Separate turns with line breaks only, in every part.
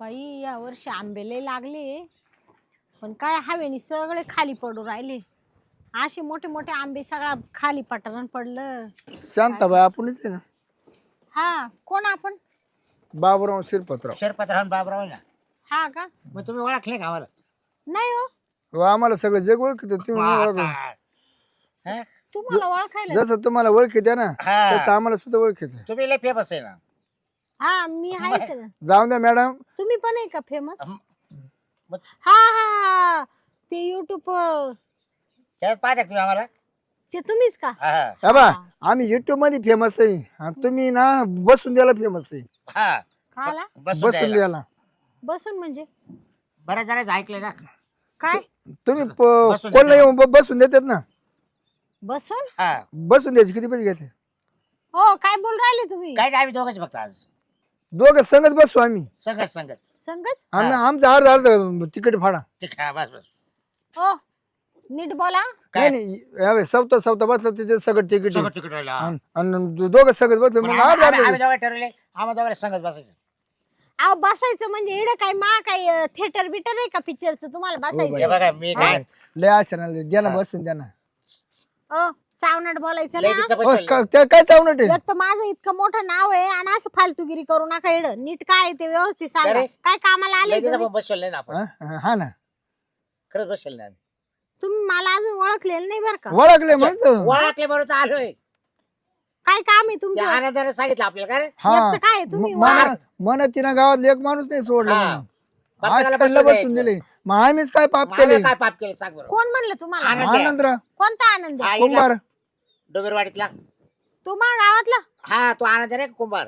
बाई या वर्षी आंबे लय लागले पण काय हवेनी सगळे खाली पडू राहिले. असे मोठे मोठे आंबे सगळा खाली पटरण पडलं.
शांताबाई आपणच आहे ना.
हा कोण आपण?
बाबूराव शिरपतराव.
शिरपतराव बाबराव ना.
हा का?
मग तुम्ही ओळखले का आम्हाला?
नाही हो,
हो, आम्हाला सगळं जग ओळखत तुम्ही नाही ओळखत.
हा?
तुम्हाला ओळखायला.
जसं तुम्हाला ओळखीत आहे ना
हा.
तसं आम्हाला सुद्धा ओळखीत आहे.
तुम्ही लय फेमस आहे ना.
हा मी आहेच ना.
जाऊन द्या मॅडम.
तुम्ही पण आहे का फेमस?
मग
हा हा ते युट्यूब
त्यात पाहता का तुम्ही आम्हाला?
ते तुम्हीच का?
हा, हा.
हा बा आम्ही युट्यूब मध्ये फेमस आहे आणि तुम्ही ना बसून द्यायला फेमस आहे.
हा.
खाला
बसून
बसून
द्यायला.
द्यायला
बसून म्हणजे
बऱ्याच जणांचं ऐकलं ना.
काय?
तुम्ही
बसून
कोणला
द्यायला.
येऊन बसून देतात ना.
बसून?
हा.
बसून द्यायचे किती पैसे घेते?
हो काय बोल राहिले तुम्ही?
काय नाही, आम्ही दोघंच फक्त आज
दोघं संगत बसू आम्ही.
संगत संगत.
संगच?
आम्ही आमचं अर्ध अर्ध तिकीट फाडा.
ठीक आहे, बस बस.
हो नीट बोला.
काय?
नाही यावेळेस सवता बसलं तिथे सगळं तिकीट
सगळं तिकीट राहिलं. हा.
आणि दोघं सगळं बसलं
पण
मग अर्ध
आम्ही
अर्ध
दोघं ठरवले, आम्हाला दोघांना संगत बसायचं.
अहो बसायचं म्हणजे इकडे काय काय थिएटर बिटर आहे का पिक्चरचं तुम्हाला
हे
बसायचं?
बघा मी काय
लय आशा ना द्या ना बसून द्या ना.
हो चावनाट बोलायचं
लय
ना.
तिचं
हो,
बसवलं.
काय चावणं ते
एक तर माझं इतकं मोठं नाव आहे आणि असं फालतूगिरी करू नका इड. नीट काय आहे ते व्यवस्थित सांगा.
अरे,
काय कामाला आले
लय तिचं
तुम्ही?
पण बसवलं नाही ना आपण.
हा ना
खरंच बसवलं नाही आम्ही.
तुम्ही मला अजून ओळखलेलं नाही बरं का?
ओळखले म्हणतो.
ओळखले बरोबर तर आलोय.
काय काम आहे
त्या
तुमचं?
आनंदाने सांगितलं आपल्याला काय रे?
हा
एक तर काय आहे, तुम्ही
मन तिनं गावात एक माणूस नाही सोडला
हा.
म्हणून.
प्रत्येकाला
आठ कल्ला
बसून
बसून
द्यायचं.
दिले मग आम्हीच काय पाप
आम्ही
केले?
काय पाप केलं सांग बरं.
कोण म्हणलं तुम्हाला?
आनंद आहे.
आनंदराव
कोणता आनंद आहे?
हा,
कुंभार.
डोंबिरवाडीतला.
तू माझ्या गावातला?
हा, तो आनंद आहे ना कुंभार.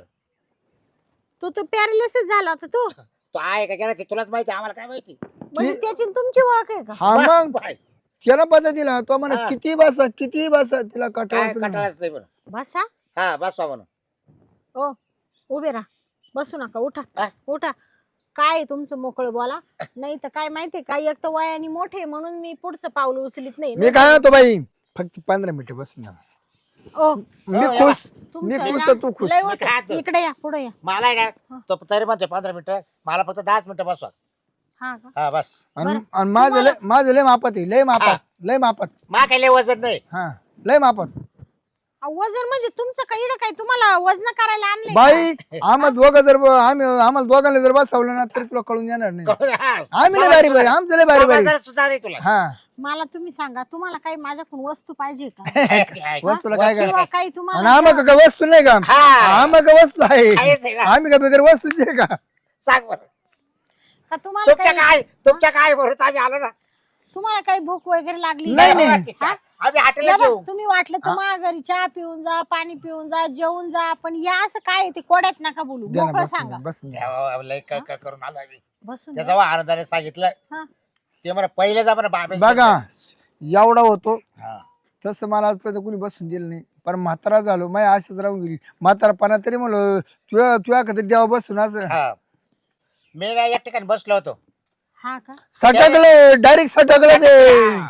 तू पॅरालिसिस झाला होता तू
तो आहे का गेला ते तुलाच माहिती, आम्हाला काय माहिती.
म्हणजे त्याची न तुमची ओळख आहे का?
हा मग
बाय.
त्याला पता दिला तो म्हणा
हा.
किती बसा तिला
काय
कटाळ
कंटाळाच नाही बरं.
बसा.
हा, बसवा म्हणून.
ओ उभे राहा, बसू नका, उठा
हा?
उठा. काय आहे तुमचं मोकळं बोला. नाही तर काय माहितीये का, एक तर वयाने मोठे म्हणून मी पुढचं पाऊल उचलीत नाही.
मी काय होतो बाई फक्त 15 मिनिटं बसून द्या.
ओ
मी
हो,
खुश
तुमचं
मी
आहे
खुश
ना,
तर तू खुश.
लय
मी
होतं.
काय म्हणतो?
इकडे या, पुढे या.
मला आहे ना तो तरी म्हणते 15 मिनिटं, मला फक्त 10 मिनिटं बसवा.
हा का?
हा बस.
आणि माझं लय मापात आहे लय मापात
मा काही लय वजन नाही.
हा लय मापात.
अहो, वजन म्हणजे तुमचं काही इकडं काय तुम्हाला वजन करायला आणलंय का?
बाई आम्हाला दोघं जर आम्हाला दोघांना जर बसवलं ना तरी तुला कळून येणार नाही.
हा.
आम्ही लय बारी आमचं लय बारी
समजदार सुद्धा नाही तुला.
हा
मला तुम्ही सांगा, तुम्हाला काही माझ्याकडून वस्तू पाहिजे का?
वस्तूला काय
वस्तू-
काय
किंवा काही
आणि
तुम्हाला
आम्हाला काय वस्तू नाही का?
हा.
आम्हाला काय वस्तू आहे?
काहीच आहे का?
आम्ही का बिगर वस्तूची आहे का?
सांग बरं.
का तुम्हाला
तुमच्या काय बरोबर आम्ही आलो ना.
तुम्हाला काही भूक वगैरे लागली?
नाही, नाही.
हा?
आम्ही
या
हॉटेलला
बघ,
जेऊ.
तुम्ही वाटलं तर माझ्या घरी चहा पिऊन जा, पाणी पिऊन जा, जेवून जा, पण या असं काय आहे ते कोड्यात नका बोलू.
द्या ना,
मोकळं
बसून
सांगा.
द्या, बसून द्या.
देवा, लय कळकळ करून आलो आम्ही.
बसून
त्याचा आनंदाने सांगितलं.
हा.
ते मला पहिले जा म्हणा बाबा.
बघा एवढा होतो
हा.
तसं मला आजपर्यंत कोणी बसून दिलं नाही पण म्हातारा झालो माझ्या आशाच राहून गेली म्हातारापणा तरी म्हणलं तुझ्या कधी देवा बसून असं
हा. मी काय एक ठिकाणी बसलो होतो.
हा का?
सटकले डायरेक्ट सटकले ते
हा.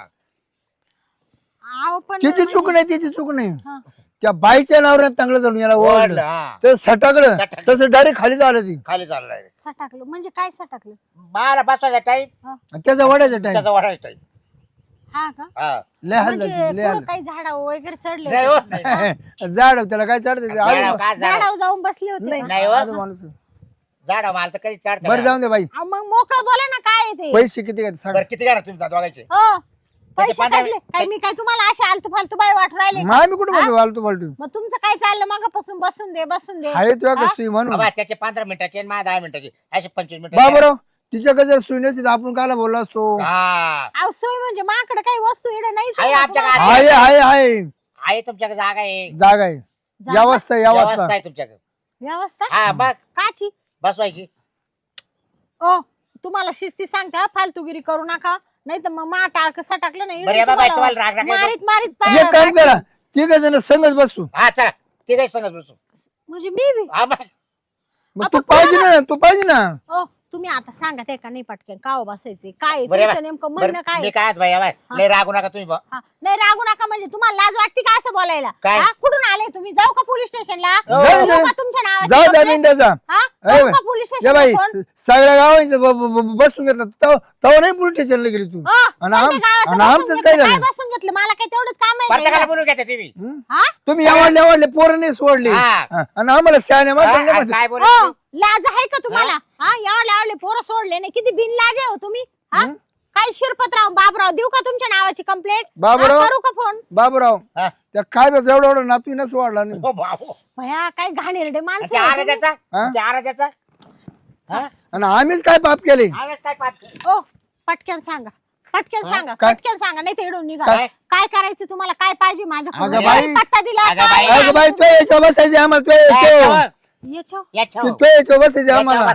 आव पण
तिची चूक नाही तिची चूक नाही
हा.
त्या बाईच्या नावावर चांगलं जाऊन याला
ओढलं,
ओढलं
हा.
ते सटकलं
सटकलं.
तसं डायरेक्ट खाली झालं ती
खाली चाललाय.
सटाकलं म्हणजे काय सटाकलं?
मला बसवायचा टाइम,
आणि त्याचा वडायचा टाइम
त्याचा वाढायचा टाइम.
हा का?
हा.
लय हाल
म्हणजे
झाली लय
पुढं काही झाडा वगैरे चढले
नाही
होते
हो, नाही.
हाल झाड त्याला काय चढते ते?
झाडावर
आजू-
काय झाड?
झाडावर जाऊन बसले होते
नाही
का?
नाही हो.
आजू माणूस
झाड मला तर कधी चढता
बरं जाऊन दे बाई
अहो, मग मोकळं बोला ना, काय आहे ते?
पैसे किती घेते सांग
बरं किती करा तुम्ही दोघांचे?
हो पैसे
त्याचे पंधरा-
कसले? काय मी काय तुम्हाला असे आलतू फालतू बाई वाटू राहिले?
मग आम्ही कुठे बोलतो फालतू फालतू
मग तुमचं काय चाललं मगापासून? बसून दे बसून दे.
आहे तुझ्या कसं म्हणून
बाबा त्याचे 15 मिनिटाचे आणि माझे 10 मिनिटाचे असे 25 मिनिटं.
बाबराव तिच्याकडे जर सुई नसती तर आपण कायला बोललो असतो
हा.
अहो सोय म्हणजे माझ्याकडे काही वस्तू इकडे नाही
आहे आमच्या
तुम्हाला.
गावात.
आहे
आहे तुमच्याकडे जागा आहे.
जागा आहे
जागा?
व्यवस्था
व्यवस्था
व्यवस्था
आहे तुमच्याकडे.
व्यवस्था
हा बघ
काची?
बसवायची.
ओ तुम्हाला शिस्ती सांगते हा, फालतूगिरी करू नका, नाही तर मग मा टाळक सटाकलं नाही
बरं या बाबा तुम्हाला राग राग येतो?
मारीत मारीत
एक काम करा तिघ जण संगच बसू
हा चला ते काही सांगत बसू.
म्हणजे मी बी
हा बघ.
मग तू पाहिजे ना
ओ तुम्ही आता सांगा ते का नाही पटकन का हो बसायचे काय
बरं,
तुमचं नेमकं म्हणणं काय
मी काय बाई बाई, लय रागू नका तुम्ही बुवा.
हा, नाही रागू नका म्हणजे तुम्हाला लाज वाटते का असं बोलायला
काय?
हा, कुठून आले तुम्ही जाऊ का पोलीस स्टेशनला
जाऊ,
देऊ
जाऊ.
का तुमच्या नावाची
जाऊ द्या
complaint?
बिंद्याचा
हा?
ए
जाऊ
बाई,
का पोलीस
ये
स्टेशनला
बाई
फोन?
सगळ्या गावांचं बसून घेतलं तव नाही पोलीस स्टेशनला गेली तू
हो,
आणि आम-
कोणत्या गावाचं
आणि
बसून
आमचं
घेतलं?
काय
काय
झालं
बसून घेतलं मला काय तेवढंच काम
प्रत्येकाला
आहे
बोलून घ्या तुम्ही
हं?
हा?
तुम्ही आवडले पोरं नाही सोडले
हा.
हा, आणि आम्हाला शहाणे
हा,
माणसं
आणि
नाही म्हणते.
काय
हो,
बोलू
लाज आहे का तुम्हाला हा यावले पोरं सोडले नाही किती बिन लाज आहे हो तुम्ही हा
हं?
काय शिरपतराव बाबराव देऊ का तुमच्या नावाची कंप्लेंट
बाबूराव.
करू का फोन
बाबूराव
हा.
त्या काय बस एवढा एवढा नातू नस वाढला नाही
हो बाबू
भया काय घाणेरडे माणसं
त्या
आहे हो तुम्ही.
आराध्याचा
हा?
त्या आराध्याचा हा?
आणि आम्हीच काय पाप केले
आवाज काय पाहत
ओ पटकन सांगा पटकन सांगा
काय?
पटकन सांगा नाही तर इडून निघा
काय?
काय करायचं तुम्हाला काय पाहिजे माझ्याकडून
अगं बाई.
काय पत्ता दिला
अगं
काय?
बाई.
अगं बाई तू याच्या बसायचे आम्हाला तू याच्या
याच्या
तू याच्या बसायचे आम्हाला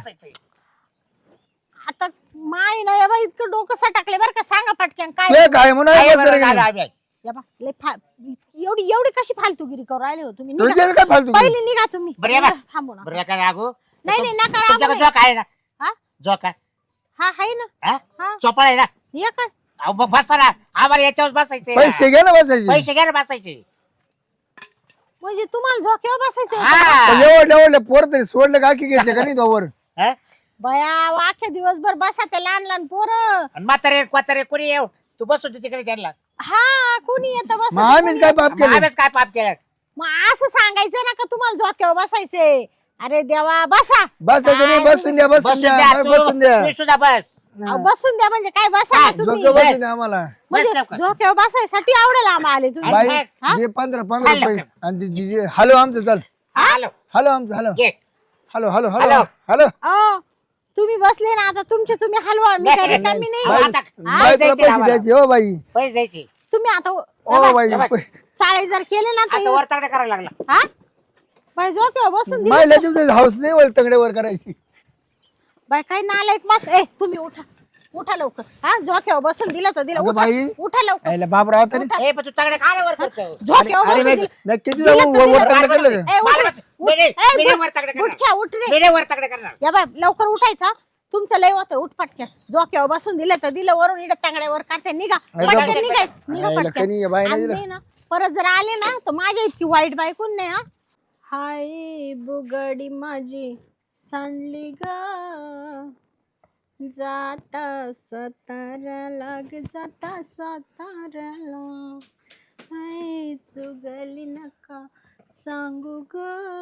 आता माय ना या बाई इतकं डोकं सटकले बरं का सांगा पटकन काय
तू काय म्हणून बसलं गेली?
या बा, लय एवढी एवढी कशी फालतूगिरी करू राहिले हो तुम्ही निघा.
तुझ्याला काय फालतू केली?
पहिली निघा तुम्ही
बरं या बा.
निघा, थांबू नका.
बरं काय रागू
नाही नाही नका रागू
तुमच्याकडे
बाई.
जो काय ना
हा
जो काय
हा आहे ना
हा?
हा
चोपळ आहे ना
ये काय
अहो, मग बसा ना आम्हाला याच्यावर बसायचे
पैसे घे ना बसायचे
पैसे घ्या ना बसायचे
म्हणजे तुम्हाला झोक्यावर बसायचं
हा.
एवढले पोर तरी सोडले का की घेतले का नाही तोवर
हा?
बया अख्ख्या दिवसभर बसा ते लहान लहान पोरं
आणि म्हातारे कोतारे कोणी येऊ तू बसू दे तिकडे त्यांना
हा कोणी येतं
मग आम्हीच काय पाप केले
आम्हीच काय पाप केलं
मग असं सांगायचं ना का तुम्हाला झोक्यावर बसायचे अरे देवा बसा
बसायचं नाही बसून द्या बसून द्या बसून द्या
तू सुद्धा बस
अहो, बसून द्या म्हणजे काय बसा ना तुम्ही
झोके बसून द्या आम्हाला
म्हणजे
बस लवकर.
झोक्यावर बसायसाठी आवडेल आम्हाला आले तुम्ही
बाई
हा?
दे 15
चाल
रुपये
लवकर.
आणि हॅलो आमचं चल
हॅलो
हॅलो आमचं हॅलो
घे
hello hello hello
hello.
Hello
अहो, तुम्ही बसले ना आता तुमचे तुम्ही हलवा मी काय रिकामी नाही
बाई.
बाई
आता-
बाई तुला
द्यायचे
पैसे
आम्हाला.
द्यायचे हो बाई
पैसे द्यायचे
तुम्ही आता
ओ बाई
बाई.
चाळे जर केले ना
आता
तर
वर तगडे करायला लागला
हा बाई झोक्यावर बसून दिले
मायला तुमचं हाऊस नाही वर तंगड्यावर करायची
बाई काय नालायक मास ए तुम्ही उठा उठा लवकर हा झोक्यावर बसून दिलं तर दिलं
अगं
उठा
बाई.
उठा लवकर
यायला बापराव तरी
ए पण तू तगडे काय वर करतो
झोक्यावर
अरे
बसून
बाई
दिलं.
नक्की
दिलं तर
तुझ्या वर
दिलं.
तंगडं केलं का
ए, उठ रे. उठ.
मेरे-
ए,
मेरे
उठ.
वर तगडे करणार.
उठ घ्या, उठ रे
मेरे वर तगडे करणार
या बाय लवकर उठायचा तुमचं लय होतं उठ पटक्यात झोक्यावर बसून दिलं तर दिलं वरून इकडे तांगड्यावर काढते निघा
अगं
पटकन निघायचं निघा
यायला
पटकन
कनी या बाईने
आणि
दिलं.
नाही ना परत जर आले ना तर माझ्या इतकी वाईट बायकून नाही हा हाय बुगडी माझी सांडली ग जाता साताऱ्याला ग जाता साताऱ्याला हाय चुगली नका सांगू ग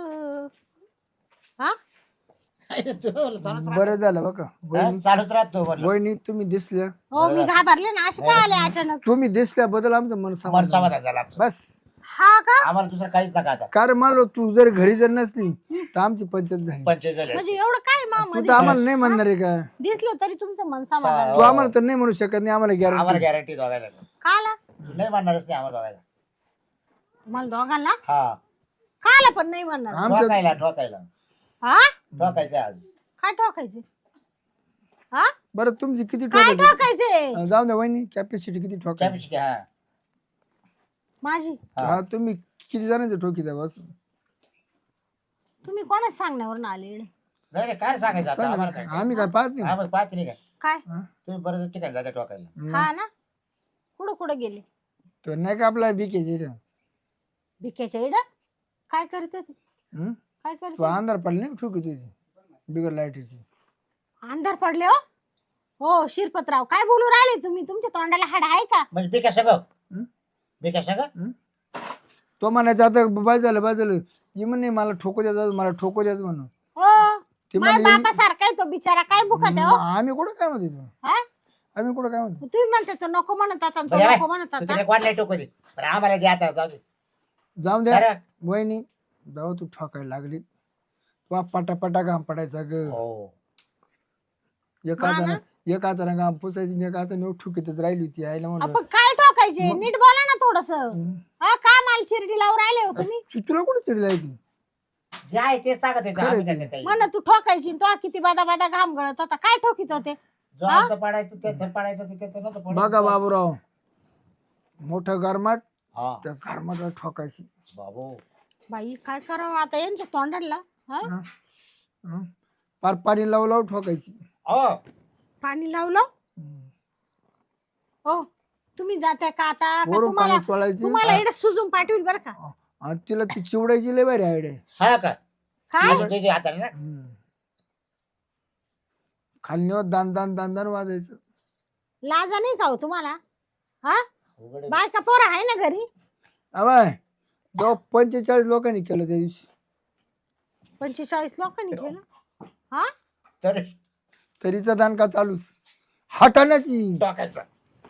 हा
बरं झालं बघा वहिनी
चालूच राहतो म्हणलं.
वहिनी तुम्ही दिसल्या
हो मी घाबरले ना असे काय आले अचानक
तुम्ही दिसल्याबद्दल आमचं मन
मन
समाधान
समाधान झालं आमचं.
बस
हा का
आम्हाला दुसरं काहीच नका आता
कारण मला तू जर घरी जर नसली तर आमची पंचायत झाली
पंचायत झाले
म्हणजे एवढं काय
तू
मामध्ये
तर आम्हाला नाही म्हणणार आहे का
दिसलं तरी तुमचं मन समाधान
तू आम्हाला तर नाही म्हणू शकत नाही आम्हाला
आम्हाला
गॅरंटी
गॅरंटी दोघायला
काला
नाही म्हणणारच नाही आम्हाला दोघायला
तुम्हाला दोघांना
हा
काला पण नाही म्हणणार
आमचं
ठोकायला ठोकायला
हा
ठोकायचं आज
काय ठोकायचे हा
बरं तुमची किती
काय
ठोकायची
ठोकायचे
जाऊ द्या वहिनी कॅपॅसिटी किती ठोकायची
कॅपॅसिटी हा
माझी
हा तुम्ही किती जणांचे ठोकी द्या बस
तुम्ही कोणाच सांगण्यावर आले इकडे?
नाही रे काय सांगायचं आता आम्हाला काय
आम्ही काय पाहत नाही
आम्हाला पाहत नाही काय
काय
हा?
तुम्ही बरं ठिकाणी जाता ठोकायला
हा ना कुठं कुठं गेले
तो नाही का आपला बीकेची
भिक्याच्या इड काय करत होते काय करत
तू अंधार पडली नाही ठोकी तुझी बिगर लाईटीची
अंधार पडले हो हो शिरपतराव काय बोलू राहिले तुम्ही तुमच्या तोंडाला हाड आहे का
म्हणजे बिका सगळं
हं?
बिका सगळं
तो म्हणायचा आता बाजूला ये म्हणे मला ठोको द्यायचं मला ठोको द्यायचं म्हणून
हो
ते
माझ्या
म्हणे
बापा सारखा आहे तो बिचारा काय भुकत आहे हो
आम्ही कुठं काय म्हणतो तू
हा?
आम्ही कुठं काय म्हणतो
तुम्ही म्हणता तो नको म्हणत आता तो
बरं
नको म्हणत
तू
आता
तिकडे कोणला टोको दे बरं आम्हाला दे आता जाऊ दे
जाऊ द्या
बरं?
वहिनी जाऊ तू ठोकायला लागली तू पटापटा घाम पडायचा ग
हो
एक हाताने घाम पुसायची एक हाताने ठुकीतच राहिली होती आईला म्हणलं
आपण काय ठोकायचे नीट बोला ना थोडस हा का माल चिरडी लावून राहिले हो तुम्ही
तुला कुठे चिडली आहे ती
जे आहे ते सांगत आहे
खरं
आम्ही
आहे
काय काही
म्हण तू ठोकायची तो किती बादा बादा घाम गळत होता काय ठोकीत होते
जो आमचं पाडायचं त्याचं पाडायचं ते त्याचं नव्हतं पडायचं.
बघा बाबूराव मोठं गरमाट
हा
त्या गरमाटला ठोकायची
बाबू
बाई काय करावं आता यांच्या तोंडाला हा
हं? पार पाणी लावू लावू ठोकायची
हो
पाणी लावलं हो. तुम्ही जाताय का आता का
वरून
तुम्हाला
पाणी सोडायची
तुम्हाला इकडे सुजून पाठवून बरं का.
आणि तिला ती चिवडायची लय भारी आयडिया
हा का
काय
असं तुझ्या हाताने ना
खालनीवर दान दान दान दान वाजायचं.
लाजा नाही का हो तुम्हाला. हा
उघड आहे.
बायका पोरं आहे ना घरी.
अवाय जो 45 लोकांनी केलं त्या दिवशी
45 लोकांनी केलं. हा
तर
तरीचा दान का चालूच हटाण्याची.
ठोकायचा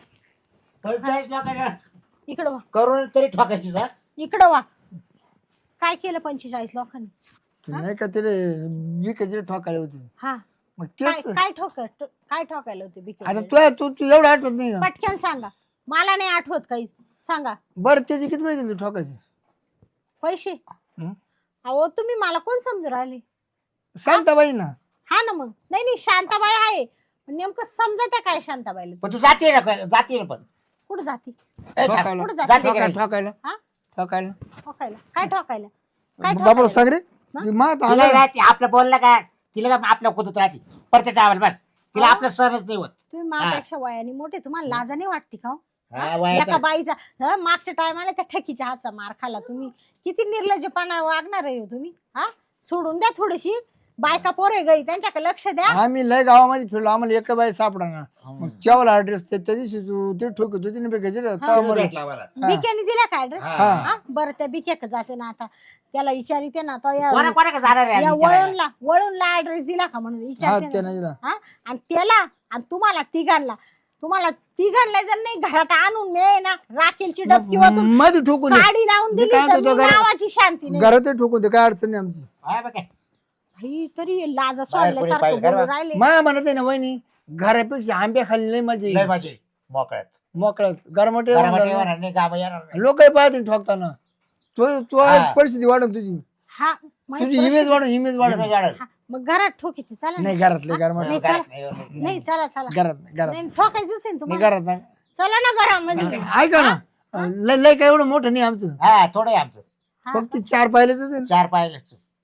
45 लोकांना
इकडं वा
करून तरी ठोकायची जा.
इकडं वा. काय केलं 45 लोकांनी.
नाही का तिथे विकायचे ठोकायला होते
हा
मग
काय
तेच
काय ठोकायला होते
आता
बिके.
तू एवढं आठवत नाही का
पटकन सांगा. मला नाही आठवत काही. सांगा
बरं त्याचे किती पैसे दिले ठोकायचे
पैसे.
हं?
अहो तुम्ही मला कोण समजू राहिले.
शांताबाई ना
हा ना मग. नाही नाही शांताबाई आहे पण नेमकं समजत आहे काय शांताबाईला.
पण तू जाते ना पण
कुठं जाती.
ए, थांब.
ठोकायला
कुठं जाते.
जाते का नाही?
ठोकायला
हा
ठोकायला
ठोकायला काय ठोकायला. काय
बाबा
ठोकायला?
सांग रे
हा?
ती मात
तिला
आला
राहते आपलं बोललं का तिला का आपल्या कुदत राहते परत टावल बस तिला
हा?
आपलं सहनच नाही होत.
तुम्ही माझ्यापेक्षा वयाने मोठे तुम्हाला लाजा नाही वाटते का हो?
हा, वयाचा-
एका बाईचा मागच्या टायमाला त्या ठकीच्या हातचा मार खाला तुम्ही. किती निर्लज्जपणा वागणार आहे हो तुम्ही. हा सोडून द्या थोडीशी. बायका पोरे गई त्यांच्याकडे लक्ष द्या.
आम्ही लय गावामध्ये फिरलो आम्हाला एक बाई सापडा ना मग केवढा ऍड्रेस त्या दिवशी तू ते ठोकत होती ना बेकायचे
तिला भेटला मला.
बिक्याने दिला का ऍड्रेस.
हा.
बरं त्या बिक्याक जाते ना आता. त्याला विचारिते ना तो या
कोणा जाणार आहे
या
आधी विचारायला?
वळूनला ऍड्रेस दिला का म्हणून
हा
विचारते
ते
ना.
नाही दिला.
हा आणि त्याला आणि तुम्हाला तिघांना जर नाही घरात आणून मी ना राखेलची डबकी वाटून
मध्ये ठोकून दे.
काडी लावून
मी
दिली
काय
तर
म्हणतो
मी
घरात-
नावाची शांती नाही.
घरातही ठोकून दे काय अडचण नाही आमची
हा, बघ काय.
ही तरी लाजा
बाहेर कोणी
सोडल्यासारखं
पाहिजे
बोलून
का?
राहिले.
माया म्हणत आहे ना वहिनी घरापेक्षा आंब्या खाली लय मजा
लय
येईल.
माझी मोकळ्यात
मोकळ्यात गरमटे
घरामध्ये येणार नाही गाव येणार नाही.
लोक पाहतील ठोकताना तो
हा.
परिस्थिती वाढून तुझी
हा माहित
तुझी
प्रश्न-
इमेज वाढून इमेज वाढून
इमेज वाढेल.
हा, मग घरात ठोकीते चला ना.
नाही घरातले
हा?
गरमटे
नाही,
घरात
चला.
नाही, नाही.
नाही चला चला.
घरात घरात
नाही ठोकायचं असेल
नाही
तुम्हाला.
घरात नाही.
चला ना घरामध्ये.
ऐका ना लय लय काय एवढं मोठं नाही आमचं
हा थोडं आहे आमचं
हा,
फक्त 4 पाहिलेच आहे ना.
4 पाहिलं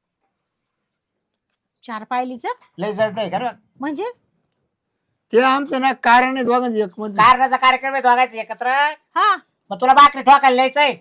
4 पायलीच
लय जड नाही खरं.
म्हणजे
ते आमचं ना कारण आहे दोघांचं एक मध्ये
कारणाचा कार्यक्रम आहे दोघांचे एकत्र.
हा
मग तुला भाकरी ठोकायला न्यायचंय.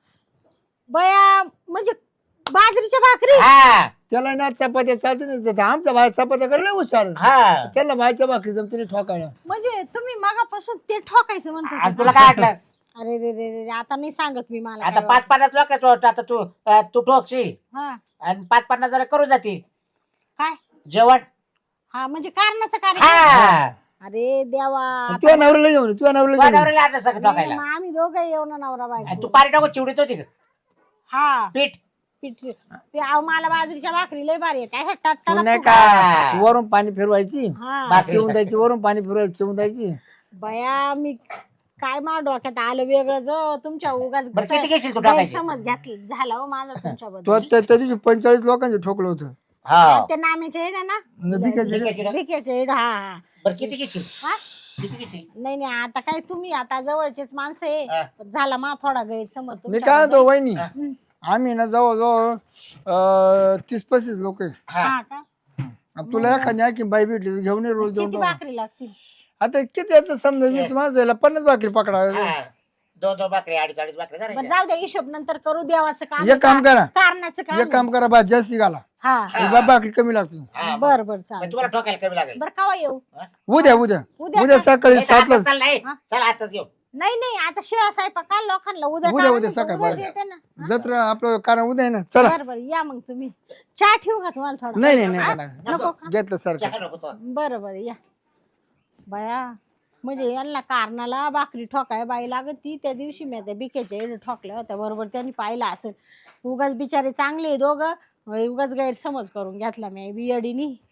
बया म्हणजे बाजरीच्या भाकरी.
हा
त्याला ना चपात्या चालते नाही आमचा भाई चपात्या करायला हुशार
हा
त्याला भाईच्या भाकरी जमते ठोकायला
म्हणजे तुम्ही मगापासून ते ठोकायचं म्हणतो.
आणि तुला काय वाटलं
अरे रे रे रे आता नाही सांगत मी मला
आता
काय
5-50 लोक आता तू ठोकशी
वाटतं. हा
आणि 5-50 जरा करून जातील
काय.
जेवण.
हा म्हणजे कारणाचं कार्यक्रम.
हा
अरे देवा.
तुझ्या नवऱ्याला घेऊन तुझ्या नवऱ्याला घेऊन
नवऱ्याला आणलं सगळं
नाही,
ठोकायला.
मग आम्ही दोघं येऊ ना नवरा
आणि
बायको.
तू पाणी टाकून चिवडीत होती का
हा
पीठ.
पीठ अहो, मला बाजरीच्या भाकरी लय भारी येते अशा
तू
टट्टा
नाही
नको.
का वरून पाणी फिरवायची
हा
भाकरी.
चिवून द्यायची वरून पाणी फिरवायची चिवून द्यायची
बया मी काय मा डोक्यात आलं वेगळं जो तुमच्या उगाच
बरं किती घेशील तू टाकायची.
समज घातली झाला हो माझा तुमच्याबद्दल.
तो त्या दिवशी 45 लोकांचे ठोकलं होतं
हा
ते नाम्याचे हेड आहे ना.
भिकाचे
भिकाचे.
भिकेचे हेड. हा हा
बरं किती घेशील
हा.
किती घेशील.
नाही नाही आता काय तुम्ही आता जवळचेच माणसं आहे.
हा.
पण झाला मा थोडा गैरसमज
मी काय म्हणतो
तुमच्याबद्दल.
वहिनी
हं.
आम्ही ना जवळजवळ 30-35 लोक आहे
हा
हा का.
आता तुला एखादी आणखी बाई भेटली तर घेऊन ये रोज
किती
देऊन
भाकरी लागतील.
आता किती आता समजा 20 माणसं यायला 50 भाकरी पकडा
हा. 2-2 भाकरी 2.5 भाकरी
बरं
करायच्या.
जाऊ द्या हिशोब नंतर करू देवाचं काम.
एक काम करा
कारणाचं काम.
एक काम करा भात जास्ती घाला
हा
हा.
भाकरी कमी लागतो
हा,
बर बर
मग
चालेल.
तुम्हाला ठोकायला कमी लागेल.
बर कवा येऊ.
उद्या उद्या
उद्या
उद्या
का?
सकाळी
नाही तर
7ला
आताच चाल नाही
हा.
चल आताच घेऊ.
नाही नाही आता शिळा स्वयंपाक का लोकांना उद्या
उद्या
काय
उद्या
म्हणतो,
सकाळी
उद्याच
बरं.
येते ना.
जत्रा आपलं कारण उद्या आहे ना चला
बर बर या मग तुम्ही. चहा ठेवू का तुम्हाला थोडा.
नाही नाही
हा?
नाही
नको का.
घेतलं सारखं
चहा नको तो.
बर बर या बया. म्हणजे यांना कारणाला भाकरी ठोकाय बाई लागत ती त्या दिवशी मी त्या बिकेच्या एड ठोकल्या होत्या बरोबर त्यांनी पाहिलं असेल. उगाच बिचारे चांगले दोघं उगाच गैरसमज करून घेतला मी बियडीनी.